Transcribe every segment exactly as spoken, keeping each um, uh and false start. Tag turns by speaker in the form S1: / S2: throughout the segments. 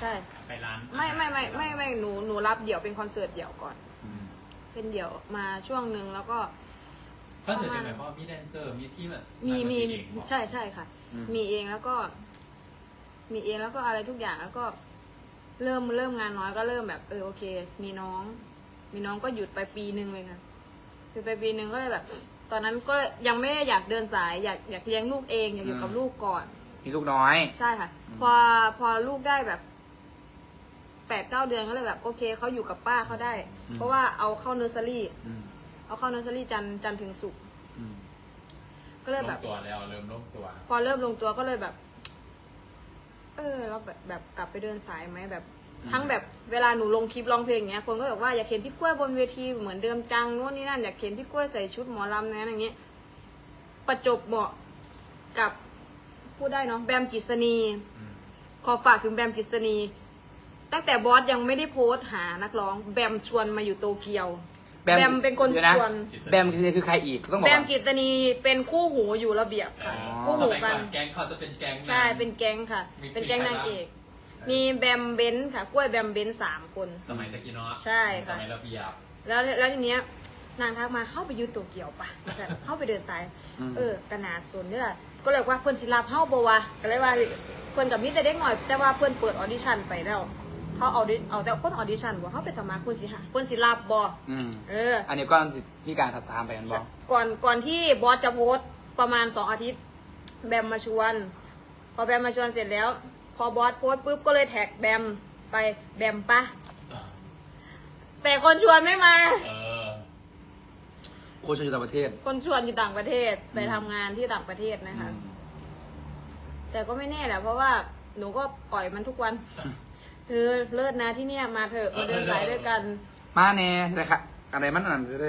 S1: ใช่
S2: ไปร้าน
S1: ไม่ไม่ไม่ไม่ไม่หนูหนูรับเดี่ยวเป็นคอนเสิร์ตเดี่ยวก่อน
S3: อืม
S1: เป็นเดี่ยวมาช่วงหนึ่งแล้วก็
S2: คอนเสิร์ตเป็นหมายความว่ามีแดนเซอร์มีที่แบบ
S1: มีมี
S2: เองบอก
S1: ใช่ใช่ค่ะ มีเองแล้วก็ มีเองแล้วก็อะไรทุกอย่างแล้วก็ เริ่มเริ่มงานน้อยก็เริ่มแบบเออโอเค มีน้อง มีน้องก็หยุดไปปีหนึ่งเลยค่ะหยุดไปปีหนึ่งก็เลยแบบ ตอนนั้นก็ยังไม่อยากเดินสาย อยากอยากเลี้ยงลูกเองอยากอยู่กับลูกก่อน
S3: มีลูกน้อย
S1: ใช่ค่ะ พอพอลูกได้แบบแปดเก้าเดือนก็เลยแบบโอเคเขาอยู่กับป้าเขาได้ เพราะว่าเอาเข้าเนอร์เซอรี่
S3: อืม
S1: เอาเข้าเนอร์เซอรี่จันทร์จันทร์ถึงศุกร์
S3: อืม
S1: ก็เลย
S2: ล
S1: แบบ
S2: งตัวแล้วเริ่มลงตัว
S1: พอเริ่มลงตัวก็เลยแบบ เออเราแบบแบบกลับไปเดินสายไหมแบบ ทั้งแบบเวลาหนูลงคลิปร้องเพลงอย่างเงี้ยคนก็บอกว่าอยากเห็นพี่กล้วยบนเวทีเหมือนเดิมจังโน่นนี่นั่นอยากเห็นพี่กล้วยใส่ชุดหมอลำนะอย่างเงี้ยประจบเหมาะกับพูดได้เนาะแบมกฤษณี
S2: อืม
S1: ขอฝากถึงแบมกฤษณี ตั้งแต่บอสยังไม่ได้โพสต์หานักร้อง แบมชวนมาอยู่โตเกียว แบมเป็นคน
S3: ดี๋ย
S1: ชวน
S3: แบมคือคือใครอีกต้องบอก
S1: แบ
S3: ว่าม
S1: กฤษณีเป็นคู่หูอยู่ระเบียบค่ะ
S3: อ๋อ
S1: คู่
S2: ส
S1: หู
S2: มัย
S1: กั
S2: ก่อน นแก๊งเขาจะเป็นแก๊ง
S1: ใช่เป็นแก๊งค่ะ
S2: มี
S1: เป็นแก๊ง
S2: มีใคร
S1: นางเอก
S2: บ้าง
S1: มีแบมเบนซ์ค่ะ กล้วยแบมเบนซ์สามคน
S2: สมัยตะกี้เนาะ
S1: ใช่ค่ะ
S2: สมัยระเบียบ
S1: แล้วแล้วทีเนี้ยนางทักมาเข้าไปอยูโตเกียวปะแบบเข้าไปเดินตาย เออกระนาสนเนี่ยก็เลยว่าเพื่อนศิลาเข้าบวะก็เลยว่าเพื่อนกับมิตรเด็กหน่อย แต่ว่าเพื่อนเปิดออดิชั่นไปแล้วเขาเอาดิเอาแต่คนออดิชั่นบอกเขาไปสมัครเพื่อนสิหาเพื่อนศิลาบอ
S3: อืม
S1: เออ
S3: อันนี้ก็มีการถัดตามไปกันบอก
S1: ก่อนก่อนที่บอสจะโพสต์ประมาณสองอาทิตย์ แบมมาชวน พอแบมมาชวนเสร็จแล้ว พอบอสโพสต์ปุ๊บก็เลยแท็กแบมไปแบมปะแต่คนชวนไม่มา
S2: เออ
S3: โคชอยู่ต่างประเทศ
S1: คนชวนอยู่ต่างประเทศไปทำงานที่ต่างประเทศนะคะ
S3: อืม
S1: แต่ก็ไม่แน่แหละเพราะว่าหนูก็ปล่อยมันทุกวันเออเลิศนะที่เนี่ยมาเถอะมาเดินสายด้วยกัน
S3: มาแน่เลยค่ะอะไรมันนั่นจะได้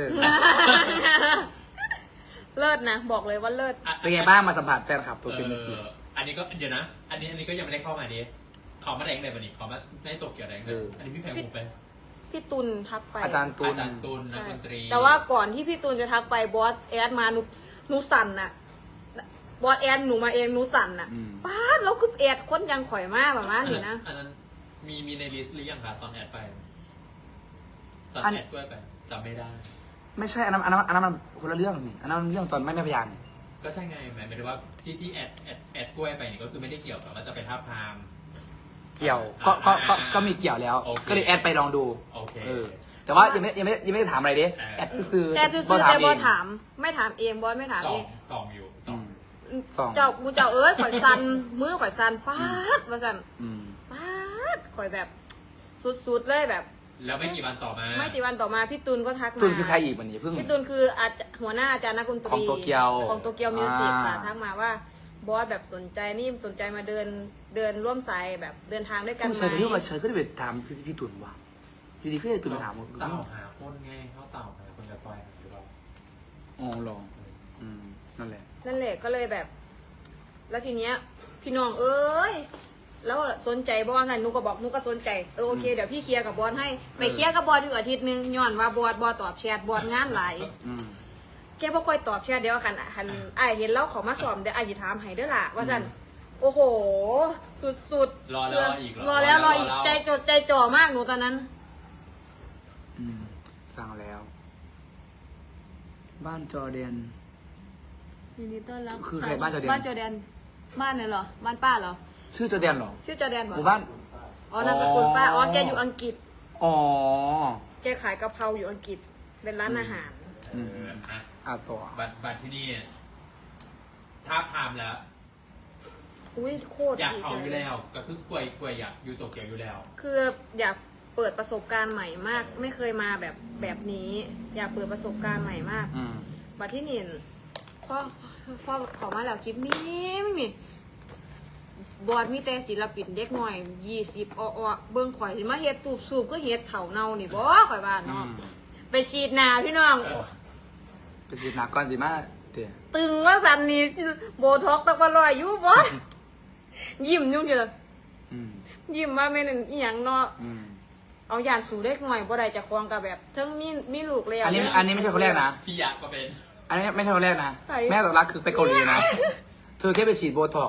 S1: เลิศนะบอกเลยว่าเลิศ
S3: เป็นไงบ้างมาสัมผัสแฟนคลับตัวจริงมิสิ
S2: เอออันนี้ก็เดี๋ยวนะ อันนี้อันนี้ก็ยังไม่ได้เข้ามาดิขอมาแดงเลยวันนี้ขอมาได้ตกเกี่ยวแดงเลยอันนี้พี่แพงมุกไป
S1: พี่ตุลทักไป
S3: อาจารย์ตูน
S2: อาจารย์ตูนนัก
S1: ใช่
S2: ดนตรี
S1: แต่ว่าก่อนที่พี่ตูนจะทักไปบอสแอดมาหนูหนูสั่นน่ะบอสแอดหนูมาเองหนูสั่นน่ะ
S3: อืม
S1: ป้าดแล้วคือแอดคนยังข่อยมากแบบนั้นอยู่นะ
S2: อันนั้นมีมีในลิสต์หรือยังคะตอนแอดไปตอน
S3: อัน
S2: แอดกล้วยไปจำไม่ได้
S3: ไม่ใช่อันนั้นอันนั้นอันนั้นมันคนละเรื่องนี่อันนั้นมันเรื่องตอนไม่แม่พยานนี่
S2: ก็ใช่ไงหมายถึงว่าที่ที่แอดแอดแอดกล้วยไปนี่ก็คือไม่ได้เกี่ยวกับว่าจะไปท้าบทาม
S3: เกี่ยวก็ก็ก็
S2: อ่า
S3: ก็มีเกี่ยวแล้ว
S2: โอเค
S3: ก็เลยแอดไปลองดู
S2: โอเค
S3: เออ แต่ว่ายังไม่ยังไม่ยังไม่ได้ถามอะไรดิ
S2: อ่า
S3: แอดซื้อๆ
S1: แอดซื้อ
S3: บ่
S1: ๆแต่บอส
S3: เง
S1: ถาม ไม่ถามเองบอสไม่ถาม
S2: สอ
S1: เอง ง
S2: สองอยู่ส
S3: อื
S2: อง
S3: ม สอง
S1: เจ้ากูเจ้าเอ้ยข่อยสันมือข่อยสันป้าดมาสัน
S3: อืม
S1: ป้าดข่อยแบบสุดๆเลยแบบ
S2: แล้วไม่กี่วันต่อมา
S1: ไม่กี่วันต่อมาพี่ตุลก็ทักมา
S3: ตุนคือใครอีกวันนี้เพิ่ง
S1: พี่ตุลคืออาจหัวหน้าอาจารย์นักดนตรี
S3: ของโตเกียว
S1: ของโตเกียวมิวสิกค่ะ
S3: อ่า
S1: ทักมาว่าบอสแบบสนใจนี่สนใจมาเดินเดินร่วมสายแบบเดินทางด้วยกัน
S3: ผู้
S1: ไหม
S3: ชายคนที่มาเชิญก็ได้ไปถามพี่พี่ตุนว่าอยู่ดีก็ได้ตุนไปถาม
S2: เต่าหาคนไงเขาเต่าหาคนจะซอยหรือเปล่า
S3: อ๋อลองอืมนั่นแหละ
S1: นั่นแหละก็เลยแบบ แล้วทีเนี้ย พี่น้องเอ้ยแล้วสนใจบอสนั่นหนูก็บอกหนูก็สนใจเออโอเคเดี๋ยวพี่เคลียร์กับบอสให้ไปเคลียร์กับบอสอยู่อาทิตย์หนึงย้อนว่าบอสบอสตอบแชทบอสงานหลาย
S3: อืม
S1: แกบ่ค่อยตอบแชทเดียวกันอ่ะคันอ้ายเห็นแล้วเขอมาสอบเดี๋ยวอ้ายสิถามให้เด้อล่ะว่าซั่นโอ้โห สุดๆ
S2: รอแล้วรออีกเหรอ
S1: รอแล้วรออีก
S2: รอแล้ว
S1: ใจจดใจจ่อมากหนูตอนนั้น
S3: อืมสั่งแล้ว บ้านจอร์แดน
S1: ยินดีต้อนรับ
S3: คือใครบ้านจอร์แดน
S1: บ้านจอร์แดนบ้านไหนเหรอบ้านป้าเหรอ
S3: ชื่อจอร์แดนเหรอ
S1: ชื่อจอร์แดน
S3: ห
S1: บ่
S3: มู่บ้าน
S1: อ๋อนามสกุลป้าอ๋อแกอยู่อังกฤษ
S3: อ๋อ
S1: แกขายกะเพราอยู่อังกฤษเป็นร้านอาหาร
S3: อืม
S2: เอออ่ะ
S3: อ่ะต่อ
S2: บัตรบัตรที่นี่ท้าบทามแล้ว
S1: อุ้ยโคตร
S2: อยาก
S1: ดี
S2: เขาอยู่
S1: เลย
S2: แล้ว ก็คือกล้วยกล้วยอยากอยู่โตเกียวอยู่แล้ว
S1: คืออยากเปิดประสบการณ์ใหม่มาก ไม่เคยมาแบบแบบนี้ อยากเปิดประสบการณ์ใหม่มาก
S3: อืม
S1: บัดที่นี่พ่อพ่อขอมาแล้วคลิปมีไม่มีบอดมีแต่ศิลปินเด็กหน่อยยี่สิบอ้อๆเบิ่งข่อยสิมาเฮ็ดตูบสูบก็เฮ็ดเถาเนานี่บ่ข่อยว่า
S3: อื
S1: เนาะ
S3: ม
S1: ไปฉีดหน้าพี่น้อง
S2: เออ
S3: ไปฉีดหนักก่อนสิมาเตี๋ย
S1: ตึงว่าสันนี่โบท็อกตะกะลอยอยู่บ่ยิ้มอยู่เดียว
S3: อืม
S1: ยิ้มว่าแม่นอีหยังเนาะ
S3: อืม
S1: เอาอย่างสู่เด็กหน่อยบ่ได้จะครองกับแบบเทั้งมีมีลูกแล้ว
S3: อันนี้อันนี้ไม่ใช่คนแรกนะ
S2: พี่อยากก็เป็น
S3: อันนี้ไม่ใช่คนแรกนะ
S1: ใคร
S3: แม่ตกรักคือไปเกาหลีนะ เธอแค่ไปฉีดโบท็อกซ์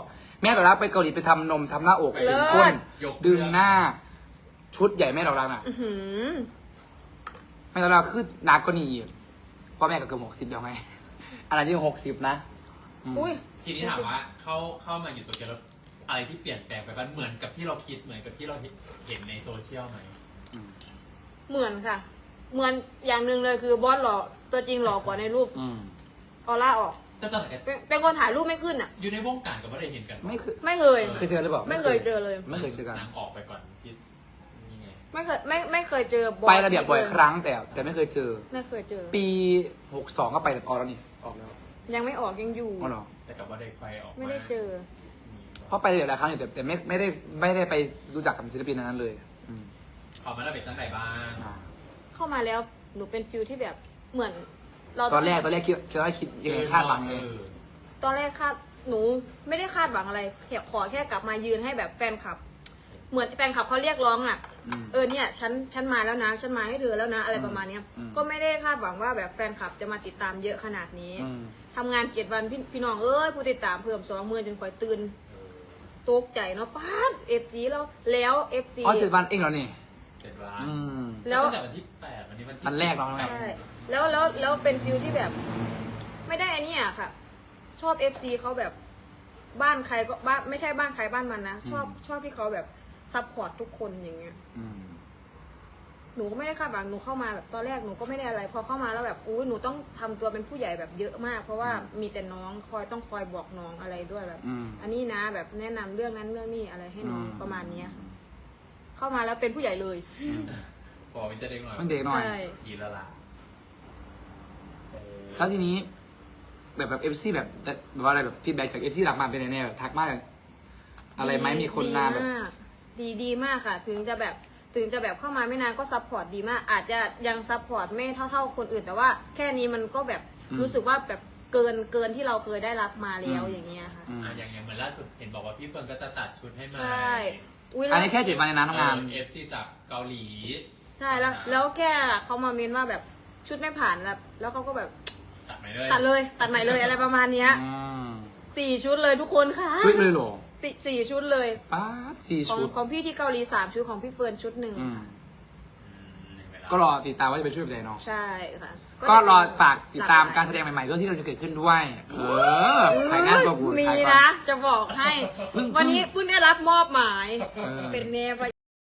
S3: แม่ดอกรักไปเกาหลีไปทำนมทำหน้าอก
S1: เลิ
S3: ดึ
S1: ศ
S3: งก้น
S2: ยก
S3: ดึงหน้า ชุดใหญ่แม่ดอกรักน่ะ
S1: อื้อหือ
S3: แม่ดอกรักคือหนักกว่านี้อีกพ่อแม่ก็เกือบหกสิบแล้วไงอะไรที่หกสิบนะม
S1: อุ้ย
S2: ทีนี้ถามว่าเข้าเข้ามาอยู่ตัวเกียวแล้วอะไรที่เปลี่ยนแปลงไปบ้างเหมือนกับที่เราคิดเหมือนกับที่เราเห็นในโซเชียลไหม
S3: อืม
S1: เหมือนค่ะ เหมือนอย่างหนึ่งเลยคือบอสหล่อตัวจริงหล่อกว่าในรูป
S3: อืม
S1: ออร่าออก
S2: แต่ตอนไหน
S1: เป็นเป็นคนถ่ายรูปไม่ขึ้นอ่ะ
S2: อยู่ในวงการกับว่าได้เห็นกัน
S3: ไม่เคย
S1: ไม่เคย
S3: เคยเจอหรือเปล่า
S1: ไม่เคยเจอเลย
S3: ไม่เคยเจอกัน
S2: นางออกไปก่อนที่นี่ไง
S1: ไม่เคยไม่ไม่เคยเจอบอส
S3: ไประเบียบบ่อยครั้งแต่แต่ไม่เคยเจอ
S1: ไม่เคยเจอ
S3: ปีหกสองก็ไปแต่ออกแล้วนี่ออกแล้ว
S1: ยังไม่ออกยังอยู่
S3: อ๋อเหรอ
S2: แต่กับว่าได้ไฟออกา
S1: ไม่ได้เจอ
S3: เพราะไประเบียบหลายครั้งอยู่แต่แต่ไม่ไม่ได้ไม่ได้ไปรู้จักกับศิลปินนั้นเลยอืม
S2: ออกมาแล้วเป็นตั้งไหนบ้าง
S3: อ่า
S1: เข้ามาแล้วหนูเป็นฟิลที่แบบเหมือน เรา
S3: ตอนแรกตอนแรกคิดคิดว่าคิดยังไงคาดหวังไง
S2: เออ
S1: ตอนแรกคาดหนูไม่ได้คาดหวังอะไรแค่ขอแค่กลับมายืนให้แบบแฟนคลับ เหมือนแฟนคลับเขาเรียกร้องอ่ะ
S3: อืม
S1: เออเนี่ยฉันฉันมาแล้วนะ ฉันมาให้เธอแล้วนะ อะไร
S3: อืม
S1: ประมาณเนี้ย
S3: อืม
S1: ก็ไม่ได้คาดหวังว่าแบบแฟนคลับจะมาติดตามเยอะขนาดนี้
S3: อืม
S1: ทำงานเจ็ดวันพี่พี่น้องเอ้ยผู้ติดตามเพิ่มสองหมื่นจนคอยตื่นตกใจเนาะป้าดเอฟจีแล้วแล้วเอฟจี
S3: อ๋อเจ็ดวันเองเหรอนี่
S2: เจ็ดวัน
S3: อืม
S1: แล้ว
S2: ตั้งแต่วันที่แปดวันนี้วันที่
S3: วันแรกเรา
S2: สิบ
S3: แรก
S1: ใช่แล้วแล้วแล้วเป็นฟิลที่แบบ ไม่ได้อันนี้อ่ะค่ะ ชอบเอฟซีเขาแบบบ้านใครก็บ้านไม่ใช่บ้านใครบ้านมันนะชอบชอบที่เขาแบบซัพพอร์ตทุกคนอย่างเงี้ย
S3: อืม
S1: หนูก็ไม่ได้คาดหวังหนูเข้ามาแบบตอนแรกหนูก็ไม่ได้อะไร พอเข้ามาแล้วแบบอุ้ยหนูต้องทำตัวเป็นผู้ใหญ่แบบเยอะมาก เพราะว่ามีแต่น้องคอยต้องคอยบอกน้องอะไรด้วยแบบ
S3: อืม
S1: อันนี้นะแบบแนะนำเรื่องนั้นเรื่องนี้อะไรให้น้อง
S3: อืม
S1: ประมาณเนี้ยเข้ามาแล้วเป็นผู้ใหญ่เลย
S3: อืม
S2: พอมันจะเด็กหน่อย
S3: มันเด็กหน่อย
S1: ใช่
S2: อีละละเออ
S3: แล้วทีนี้ แบบแบบเอฟซีแบบแบบว่าอะไรแบบฟีดแบ็กจากเอฟซีหลักมาเป็นไงแบบทักมากอะไรไหมมีคนมาแบบ
S1: ดีมากดีดีมากค่ะ ถึงจะแบบถึงจะแบบเข้ามาไม่นานก็ซัพพอร์ตดีมาก อาจจะยังซัพพอร์ตไม่เท่าเท่าคนอื่น แต่ว่าแค่นี้มันก็แบบ
S3: อืม
S1: รู้สึกว่าแบบเกินเกินที่เราเคยได้รับมาแล้ว
S3: อืม
S1: อย่างเงี้ยค่ะ
S3: อืม
S2: อ่ะอย่างอย่างเหมือนล่าสุดเห็นบอกว่าพี่เฟิร์นก็จะตัดชุดให้ใหม่
S1: ใช่อุ้ย
S3: อั
S1: แล้
S3: น
S1: ว
S3: นี้แค่เจ็ดวันในนั้นทำงาน
S2: เอฟซีจากเกาหลี
S1: ใช่แล้วแล้วแค่เขามาเมนว่าแบบชุดไม่ผ่านแล้วแล้วเขาก็แบบ
S2: ตัดไหมเลย
S1: ตัดเลยตัดใหม่เลยอะไรประมาณเนี้ย
S3: อืม
S1: สี่ชุดเลยทุกคนค่ะ
S3: เฮ้ยเลยเหรอ
S1: สี่สี่ชุดเลย
S3: ป้าดสี่
S1: ของ
S3: ชุด
S1: ของพี่ที่เกาหลีสามชุดของพี่เฟิร์นชุดหนึ่ง
S3: อืม
S1: ค่ะ
S2: อืมเห็นไหมล่ะ
S3: ก็รอติดตามว่าจะเป็นชุดแบบไหนเนาะ
S1: ใช่ค่ะ
S3: ก็รอฝากติดตาม
S1: หล
S3: การแสดงใหม่ๆด้วยที่จะเกิดขึ้นด้วย เออ
S1: เออ
S3: ขายงานตัวกู
S1: มี
S3: ขายก่อ
S1: นะ จะบอกให้
S3: เพิ่ง
S1: วันนี้เพิ่งได้รับมอบหมาย
S3: เออ
S1: เป็นเมย์ปะ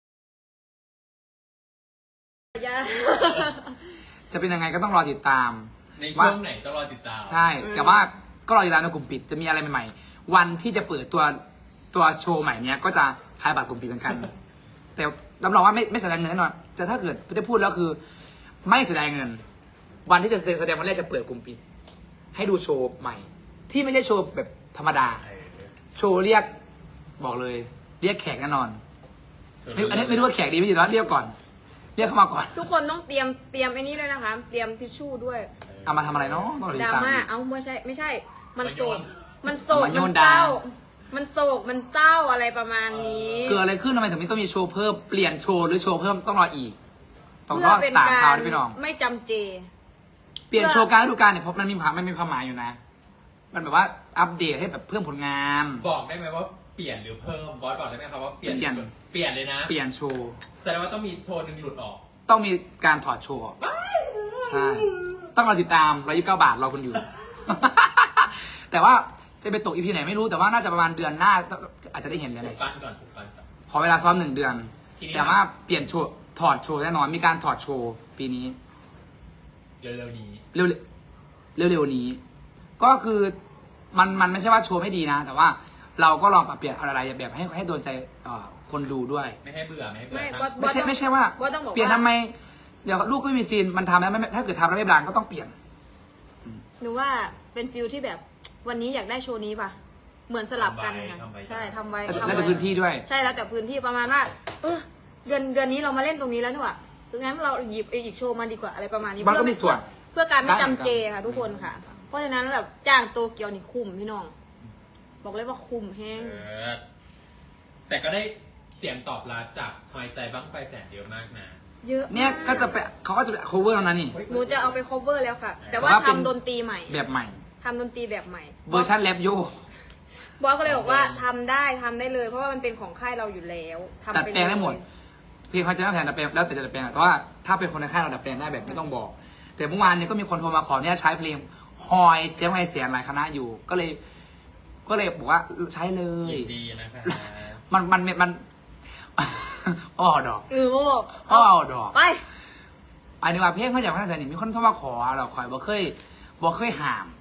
S1: ยา
S3: จะเป็นยังไงก็ต้องรอติดตาม
S2: ในช่วงไหนต้องรอติดตาม
S3: ใช่
S1: อืม
S3: แต่ว่าก็รอติดตามในกลุ่มปิดจะมีอะไรใหม่ๆ วันที่จะเปิดตัวตัวโชว์ใหม่เนี้ยก็จะขายบัตรกลุ่มปิดเหมือนกัน แต่รับรองว่าไม่ไม่แสดงเงินแน่นอนแต่ถ้าเกิดจะพูดแล้วคือ ไม่แสดงเงิน วันที่จะแสดงวันแรกจะเปิดกลุ่มปิด ให้ดูโชว์ใหม่ ที่ไม่ใช่โชว์แบบธรรมดา
S2: เออ
S3: โชว์เรียกบอกเลย เรียกแขกแน่นอน
S2: ส่วน
S3: ไม่อันนี้ไม่รู้ว่าแขกดีไม่ดีหรอเรียกก่อน เรียกเข้ามาก่อน
S1: ทุกคนต้องเตรียมเตรียมไอ้นี้ด้วยนะคะ เตรียมทิชชู่ด้วย
S3: เอามาทำอะไรเนาะต้องรอ
S1: ด
S3: ติ
S1: รา
S3: ดตาม
S1: ม่า เอาไม่ใช่ ไม่ใช่ มันโศก มันโศก
S3: มันโย
S1: มัน น
S3: ดา
S1: เศร้า มันโศก มันเศร้าอะไรประมาณนี้
S3: เกิดอะไรขึ้นทำไมถึงไม่ต้องมีโชว์เพิ่มเปลี่ยนโชว์หรือโชว์เพิ่มต้องรออีกต้อง
S1: เพื่
S3: ร
S1: อ
S3: อ
S1: เป็น
S3: ตาม
S1: กา
S3: ข่าว
S1: ร
S3: นะพี่น้อง
S1: ไม่จำเจ
S3: เปลี่ยนโชว์การฤดูกาลเนี่ยเพราะมันมีความมันมีความหมายอยู่นะ มันแบบว่าอัปเดตให้แบบเพิ่มผลงาน
S2: บอกได้ไหมว่าเปลี่ยนหรือเพิ่มบอสบอกได้ไหมครับว่าเปลี่ยน
S3: เปลี่ยน
S2: เปลี่ยนเลยนะ
S3: เปลี่ยนโชว์
S2: แสดงว่าต้องมีโชว์หนึ่งหลุดออก
S3: ต้องมีการถอดโชว์ออกใช่ ต้องรอติดตามร้อยยี่สิบเก้าบาทรอคุณอยู่ แต่ว่าจะไปตกอีพีไหนไม่รู้แต่ว่าน่าจะประมาณเดือนหน้าอาจจะได้เห็นเลย
S2: ปลุกปั้นก่อนปลุกปั้นก่อน
S3: ขอเวลาซ้อมหนึ่งเดือน
S2: ทีนี้
S3: แต่ว่าเปลี่ยนโชว์ถอดโชว์แน่นอนมีการถอดโชว์ปีนี้
S2: เร็วๆนี้
S3: เร็วเร็วเร็วๆนี้ ก็คือมันมันไม่ใช่ว่าโชว์ไม่ดีนะ แต่ว่าเราก็ลองปรับเปลี่ยนอะไรแบบให้ให้โดนใจเอ่อคนดูด้วย
S2: ไม่ให้เบื่อไม่ให้เบื่อ
S1: ไม่
S2: นะ
S1: บอส
S3: ไม่ใช่
S1: ต้อง
S3: ไม่ใช่ว่า
S1: บอสต้องบอก
S3: เปลี่ยน
S1: ว่า
S3: ทำไม เดี๋ยวลูกไม่มีซีนมันทำแล้วไม่ถ้าเกิดทำแล้วไม่บลางก็ต้องเปลี่ยน
S1: หนูว่าเป็นฟิลที่แบบวันนี้อยากได้โชว์นี้ป่ะ เหมือนสลับกันค่ะ
S2: ทำไว้
S1: ใช่ทำไว้
S3: แล้ว
S1: ทำ
S3: แล้ว
S1: ไว้
S3: แต่พื้นที่ด้วย
S1: ใช่แล้วแต่พื้นที่ประมาณว่าเออเดือนเดือนนี้เรามาเล่นตรงนี้แล้วนี่หว่างั้นเราหยิบอีกโชว์มาดีกว่าอะไรประมาณนี้
S3: มันก็มีส่วน
S1: เพื่อการไม่
S3: ได้เหมือนกัน
S1: จำเจค่ะ ทุกคนค่ะ เพราะฉะนั้นแบบจ้างโตเกียวนี่คุ้มพี่น้อง บอกเลยว่าคุ้มแห้ง
S2: เออแต่ก็ได้เสียงตอบรับจากหอยใจบ้างไฟแสนเยอะมากนะ
S1: เยอะ
S3: เนี่ยก็จะไปเขาก็จะไป cover แล้วนะนี่
S1: หนูจะเอาไป cover แล้วค่ะ แต่ว่า
S3: แต่ว่าเป็น
S1: ทำดนตรีใหม่
S3: แบบใหม่
S1: ทำดนตรีแบบใหม่
S3: เวอร์ชันแรปโย
S1: บอสก็เลยบอกว่าทำได้ทำได้เลย เพราะว่ามันเป็นของค่ายเราอยู่แล้วทำ
S3: ดัด
S1: ไป
S3: แปลงได้หมดเพลงเขาจะไม่แผนดัดแปลงแล้วแต่จะดัดแปลงอะแต่ว่าถ้าเป็นคนในค่ายเราดัดแปลงได้แบบไม่ต้องบอก แต่เมื่อวานเนี่ยก็มีคนโทรมาขอเนี่ยใช้เพลงฮอยเสียงไอเสียงหลายคณะอยู่ ก็เลย ก็เลยบอกว่าใช้เลย
S2: ยินดีนะคะ
S3: มันมันมัน อ้อดอก
S1: เออโอ้
S3: อ้อดอก
S1: ไป
S3: อันนี้ว่าเพลงเขาอยากพัฒนามีคนเข้ามาขอเราคอยบ่เคยบ่เคยห้าม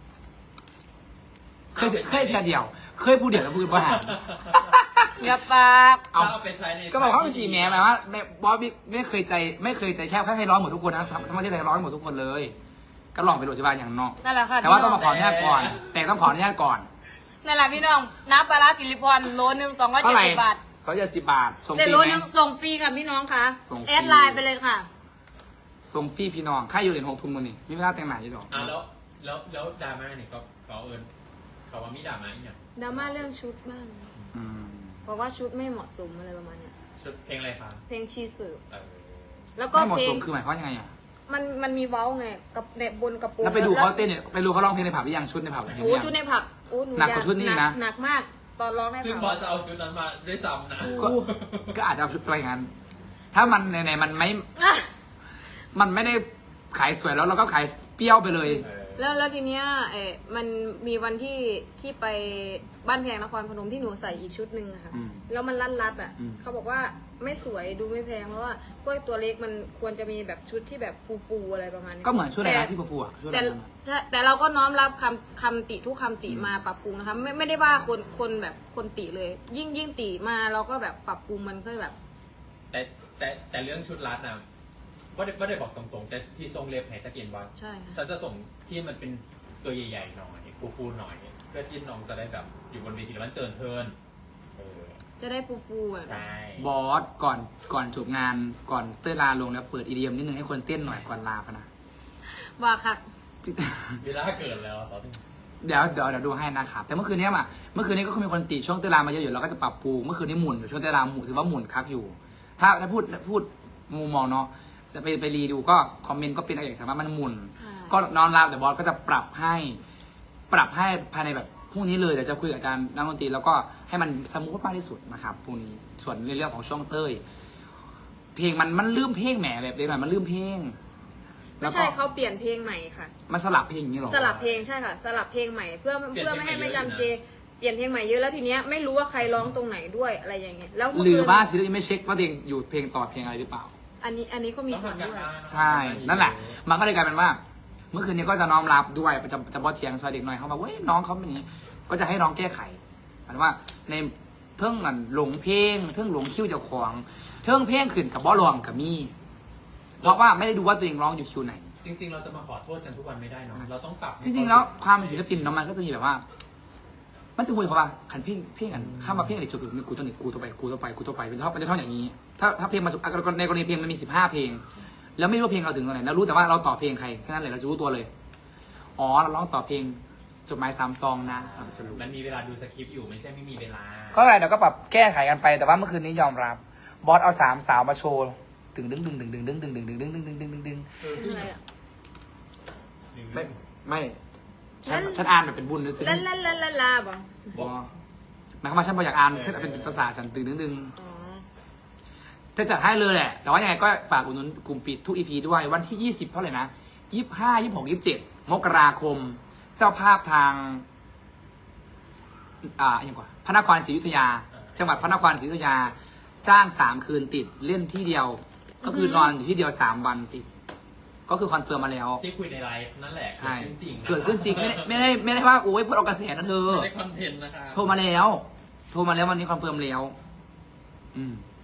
S3: เคยเคยแค่เดียว เคยพูดเดียวแล้วพูดบ่ห้าม
S1: อย่าปาก
S3: เอา
S2: เอาไปใช้ใน
S3: ก็บอกว่ามันจีแม่หมายว่าไม่บอสไม่ไม่เคยใจไม่เคยใจแค่แค่ให้ร้องหมดทุกคนนะทั้งทั้งประเทศไทยร้องหมดทุกคนเลย ก็ลองไปโดดจิบานอย่างนอก
S1: นั่นแหละค่ะ
S3: แต่ว่าต้องมาขออนุญาตก่อน แต่ต้องขออนุญาตก่อน
S1: นั่นแหละพี่น้องน้ำปลาร้าสิริพรโลนึงสองร้อย
S3: เท่า
S1: เจ็ด
S3: ไหร่
S1: สิบบาท
S3: สองร้อยเจ็ดสิบบาทส่งฟ
S1: แต่
S3: รี
S1: โล
S3: ไหม
S1: นึงส่งฟรีค่ะพี่น้องคะ
S3: ส่งฟรี
S1: แอดไลน์ไปเลยค่ะ
S3: ส่งฟรีพี่น้องค่าอยู่เหรียญหกทุนมันนี่มีเวลาแต่งหน้าอยู่ดอก
S2: อ่ะแล้วแล้วแล้วดราม่าเนี่ยเขาเขาเอิญเขาว่ามีดราม่าอีกอย่าง
S1: ดราม่าเรื่องชุดบ้าง
S3: อืม
S1: บอกว่าชุดไม่เหมาะสมอะไรประมาณเนี้ย
S2: ชุดเพลงอะไรคะ
S1: เพลงชีสืบ
S2: เออ
S1: แล้วก็
S3: ไม่เหมาะ
S1: เพล
S3: ส
S1: ง
S3: มคือหมายความว่ายังไงอ่ะ
S1: มันมันมีเว้าไงกับเน็บบนกระโปรง
S3: แล้วไปดูเขาเต้นเนี่ยไปดูเขาร้องเพลงในผับหรือยังชุดในผับเห็นห
S1: โอ้
S3: รือยัง
S1: ชุดในผับโอ้หนู
S3: หนักกว่าชุดนี้นะ
S1: หนักมากตอนร้องใน
S2: ซึ่ง
S1: ผั
S2: บอสจะเอาชุดนั้นมาด้วยซ้ำนะ
S3: ก็ก็อาจจะเอาชุดไปอย่างนั้น ถ้ามันไหนๆมันไม่
S1: อ่ะ
S3: มันไม่ได้ขายสวยแล้วเราก็ขายเปรี้ยวไปเลย
S2: เออ
S1: แล้วแล้วทีเนี้ยเออมันมีวันที่ที่ไปบ้านแพงนครพนมที่หนูใส่อีกชุดหนึ่งอะค่ะ
S3: อืม
S1: แล้วมันรัดรัดๆอ่ะ
S3: อืม
S1: เขาบอกว่าไม่สวยดูไม่แพงเพราะว่าพวกตัวเล็กมันควรจะมีแบบชุดที่แบบฟูๆอะไรประมาณนี้
S3: ก็เหมือนชุดอะไร
S1: แต่
S3: นะที่ประฟูอ่ะชุดอะไร
S1: แต่
S3: นั่นอะ
S1: แต่แต่เราก็น้อมรับคำคำติทุกคำติมาปรับปรุงนะคะไม่ไม่ได้ว่าคนคนแบบคนติเลย ยิ่งยิ่งติมาเราก็แบบปรับปรุงมันก็แบบ
S2: แต่แต่แต่เรื่องชุดรัดนะว่าได้ว่าได้บอกตรงๆ แต่ที่ทรงเล็บให้ตะเกียนว่า
S1: ใช่ค่ะ
S2: ฉันจะส่งที่มันเป็นตัวใหญ่ๆหน่อยฟูๆหน่อย เพื่อที่น้องจะได้แบบอยู่บนเวทีแล้วมันเจิญเทินเออ
S1: จะได้ปูปูแบบ
S2: ใช่
S3: บอสก่อนก่อนจบงานก่อนเต้ยลาลงแล้วเปิดอีเดียมนิดนึงให้คนเต้นหน่อยก่อนลาพะนะ
S1: ว่าค่ะ
S2: เวลาเกิดแล้วตอนนี้
S3: เดี๋ยวเดี๋ยวเดี๋ยวดูให้นะครับแต่เมื่อคืนนี้มาเมื่อคืนนี้ก็มีคนติช่วงเต้ยลามาเยอะอยู่เราก็จะปรับปรุงเมื่อคืนนี้หมุนอยู่ช่วงเต้ยลาหมุนถือว่าหมุนคักอยู่ ถ้าถ้าพูดพูดมุมมองเนาะจะไปไปรีดูก็คอมเมนต์ก็เป็นอะไรอย่างสามารถมันหมุน ก็นอนรับแต่บอสก็จะปรับให้ ปรับให้ภายในแบบพรุ่งนี้เลยเดี๋ยวจะคุยกับอาจารย์นักดนตรีแล้วก็ให้มันสมูทมากที่สุดนะครับพรุ่งนี้ส่วนในเรื่องของช่วงเต้ยเพลงมันมันลืมเพลงแหมแบบเลยมันลืมเพลง
S1: ไม่ใช่เขาเปลี่ยนเพลงใหม่ค่ะ
S3: มันสลับเพลงอย่างนี้หรอ
S1: สลับเพลงใช่ค่ะ สลับเพลงใหม่เพื่อเพื่อไม่ให้ไม่จำเจเปลี่ยนเพลงใหม่เยอะแล้วทีเนี้ยไม่รู้ว่าใครร้องตรงไหนด้วยอะไรอย่างเงี้ยแล้วเมื่อ
S3: หรื
S1: คื
S3: อน ว่าศิลปินไม่เช็คว่าเพลงอยู่เพลงต่อเพลงอะไรหรือเปล่า
S1: อันนี้อันนี้ก็มี
S2: ต้อง
S1: ส่วน
S2: ทำกัน
S1: ด้วย
S2: บ้าน
S3: ใช่ นั่นแหละ มันก็เลยกลายเป็นว่า เมื่อคืนนี้ก็จะน้อมรับด้วยจะจะบอเทียงซอยเด็กหน่อยเขาบอกว่าเว้ยน้องเขาเป็นอย่างนี้ ก็จะให้น้องแก้ไขหมายถึงว่าในเทิงนั่นหลงเพลงเทิงหลงคิวเจ้าของเทิงเพลงขึ้นกับบอลองกับมี่ เพราะว่าไม่ได้ดูว่าตัวเองร้องอยู่คิวไหน
S2: จริง ๆ เราจะมาขอโทษกันทุกวันไม่ได้เนาะเราต้องปรับ
S3: จริงๆแล้วความเป็นศิลปินเนาะมันก็จะมีแบบว่า มันจะคุยเขาว่าขันเพลงเพลงกันข้ามมาเพลงอะไรจุดๆมีกูตัวหนึ่งกูตัวไปกูตัวไปกูตัวไปเป็นท่อนเป็นท่อนอย่างนี้ ถ้าถ้าเพลงมาในกรณีเพลงมันมีสิบห้าเพลง แล้วไม่รู้ว่าเพลงเราถึงตรงไหนแล้วรู้แต่ว่าเราต่อเพลงใครแค่นั้นแหละเราจะรู้ตัวเลย อ๋อเราร้องต่อเพลงจดหมายสามซองนะเราจะรู้
S2: มันมีเวลาดูสคริปต์อยู่ไม่ใช่ไม่มีเวลา
S3: ก็อะไรเดี๋ยวก็ปรับแก้ไขกันไปแต่ว่าเมื่อคืนนี้ยอมรับบอสเอาสามสาวมาโชว์ตึงดึงดึงดึงดึงดึงดึงดึงดึงดึงดึงดึงดึงดึงดึง
S2: เออ
S1: อะไรอ่ะ
S3: ไม่ไม่ฉันฉันอ่านแบบเป็นบุญด้วยสิ
S1: ลาลาลาลาลาบ่
S3: บอหมายความว่าฉันพออยากอ่านฉันเป็นภาษาฉันตึงดึงดึง
S1: อ๋อ
S3: จะจัดให้เลยแหละ แต่ว่ายังไงก็ฝากอุดหนุนกลุ่มปิดทุกอีพีด้วยวันที่ยี่สิบเท่าไหร่นะยี่สิบห้ายี่สิบหกยี่สิบเจ็ดมกราคม เจ้าภาพทาง อ่าอย่างกว่าพระนครศรีอยุธยา จังหวัดพระนครศรีอยุธยา จ้างสามคืนติดเล่นที่เดียว ก็คือนอนอยู่ที่เดียวสามวันติด ก็คือคอนเฟิร์มมาแล้ว
S2: ที่คุยในไลฟ์นั่นแหละ
S3: ใช่
S2: เกิดขึ้นจริงะ
S3: เกิดขึ้นจริงไม่ได้ไม่ได้ไม่ได้ว่าโอ้ยพูดเอากระแสนะเธอ
S2: ไม่ได้คอนเทนต์นะคะ
S3: โทรมาแล้ว โทรมาแล้ววันนี้คอนเฟิร์มแล้ว อืม